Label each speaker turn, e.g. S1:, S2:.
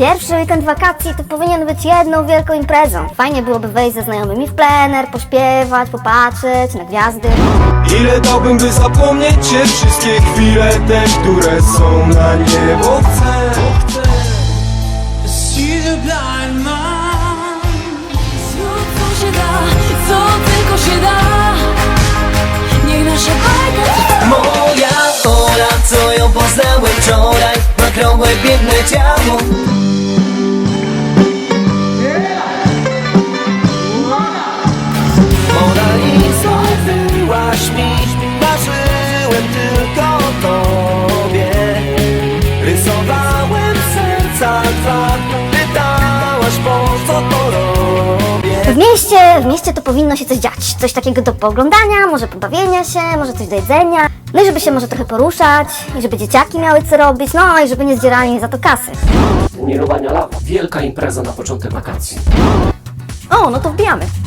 S1: Pierwszy weekend wakacji to powinien być jedną wielką imprezą. Fajnie byłoby wejść ze znajomymi w plener, pośpiewać, popatrzeć na gwiazdy.
S2: Ile dałbym, by zapomnieć Cię, wszystkie chwile te, które są na niebo chcę.
S3: Zrób co się da, co tylko się da. Niech nasza bajka trwa.
S4: Moja Ola, co ją poznałem wczoraj, ma krągłe, piękne ciało. Mona Lisa, byłaś mi, marzyłem tylko o tobie. Rysowałem serca dwa, pytałaś po co to robię.
S1: W mieście to powinno się coś dziać. Coś takiego do pooglądania, może pobawienia się, może coś do jedzenia. No i żeby się może trochę poruszać, i żeby dzieciaki miały co robić, no i żeby nie zdzierali za to kasy.
S5: Mirowania lawa. Wielka impreza na początek wakacji.
S1: O, no to wbijamy.